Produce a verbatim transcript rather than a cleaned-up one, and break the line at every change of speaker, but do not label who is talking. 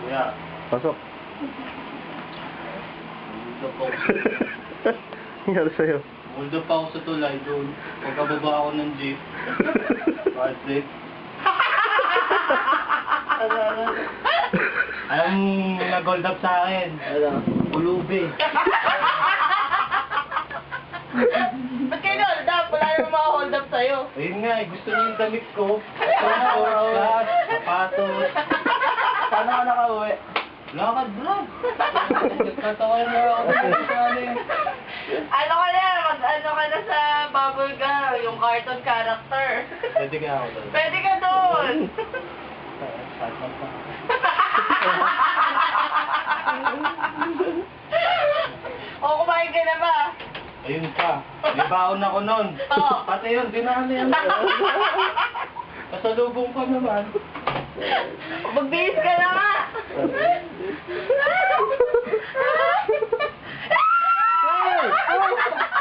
Kuya.
Pasok.
Muldo pa ako.
Nangyari sa'yo?
Muldo pa ako sa tulay doon. Pagkababa ako ng jeep. Bad trip. Alam mo, nag-hold up sa akin.
Ano?
Ulubi.
Ba't kayo hold up? Wala naman mga-hold up sa'yo.
Ayun nga, eh, gusto niyo yung damit ko. Shorts, flat, sapatos.
Paano ka nakauwi?
Lakad, bro. Nagkatawa na ako sa amin.
Ano ka na? Mag-ano ka na sa bubble gum, yung cartoon character.
Pwede ka ako doon.
Pwede ka doon. O, kumain ka na ba?
Ayun pa. May baon ako nun.
Oo.
Pati yun, dinami yan. Kasalubong pa naman.
Magbihis ka na nga.
Hey!